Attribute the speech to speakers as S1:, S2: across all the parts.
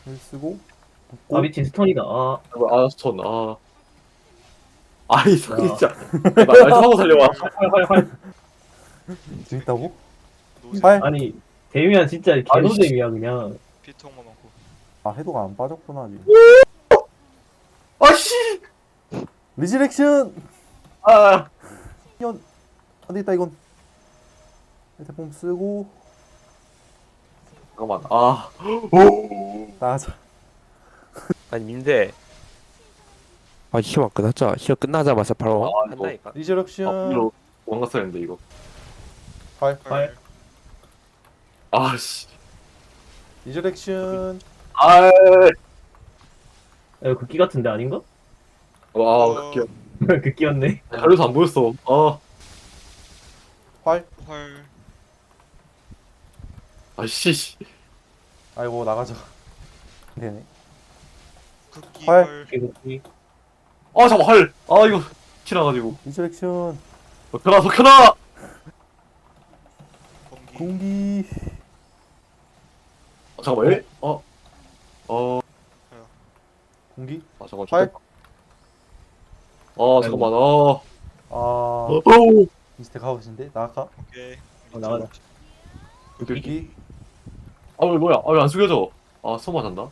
S1: 힐 쓰고
S2: 아 미친 스턴이다. 아
S3: 아, 스톤, 아. 아이, 진짜.
S1: 네.
S3: 말좀 하고 살려와.
S2: 활활활.
S1: 재밌다고?
S4: 노잼.
S1: 팔?
S2: 아니 데미안 진짜 개노잼이야 그냥.
S4: 피통만 많고.
S1: 아 해도가 안 빠졌구나 아직.
S3: 아씨!
S1: 리즈렉션!
S3: 아,
S1: 이건 안되겠다 이건. 대폼 쓰고
S3: 잠깐만, 아. 오!
S1: 나가자.
S5: 아니 민대 아 시험 끝났자 시험 끝나자마자 바로
S3: 아, 이거.
S5: 한다니까
S1: 리즈렉션.
S3: 이거 도망갔어야 했는데, 이거.
S1: 팔.
S2: 활.
S3: 아씨.
S1: 리즈렉션.
S3: 아,
S2: 야, 극기 같은데 아닌가?
S3: 와, 그게
S2: 극기였네.
S3: 가려서 안 보였어. 아,
S1: 활.
S4: 활.
S3: 아씨.
S1: 아이고 나가자. 되네.
S4: 극기
S1: 활.
S4: 활.
S2: 극기.
S3: 아, 잠깐 할. 아, 이거 티나가지고.
S1: 리즈렉션.
S3: 석현아, 석현아.
S4: 공기.
S1: 공기.
S3: 잠깐만, 에?
S1: 공기.
S3: 아, 잠깐.
S1: 활.
S3: 아, 잠깐만. 아,
S1: 아
S3: 오.
S1: 미스테 가우신데 나가.
S4: 오케이.
S2: 나가자.
S1: 공기.
S3: 아, 왜 뭐야? 아, 왜 안 숙여져? 아, 손 맞았나?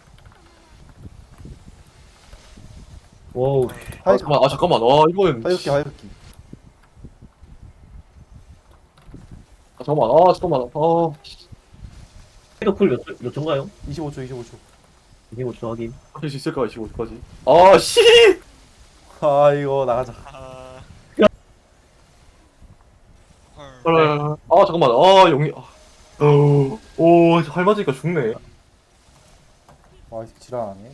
S2: 와우.
S1: 하이.
S3: 아, 잠깐만. 아, 이거는.
S1: 하이극기 하이극기.
S3: 아, 잠깐만. 아, 잠깐만. 아,
S2: 헤더 쿨몇 초인가요?
S1: 25초 25초.
S2: 25초 확인.
S3: 할 수 있을까? 25초까지. 아, 씨!
S1: 아 이거 나가자.
S4: 아. 활.
S3: 아, 잠깐만. 아, 영이. 오, 활 맞으니까 죽네.
S1: 와 이 새끼 지랄하네.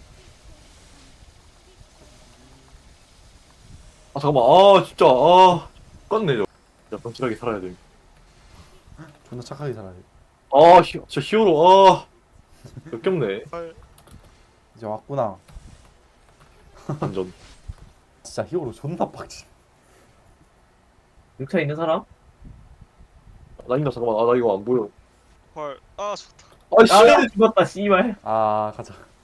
S3: 아, 잠깐만. 아, 진짜. 아, 껐네, 저. 진짜 건실하게 살아야 돼.
S1: 존나 착하게 살아야 돼.
S3: 아, 진짜 히어로. 아, 역겹네.
S4: 활.
S1: 이제 왔구나.
S3: 완전.
S1: 진짜 히어로 존나 빡치.
S2: 6차 있는 사람?
S3: 나 있나? 잠깐만. 아, 나 이거 안 보여.
S4: 활. 아 좋다.
S3: 아, 씨!
S2: 아 죽었다 씨발.
S1: 아 가자.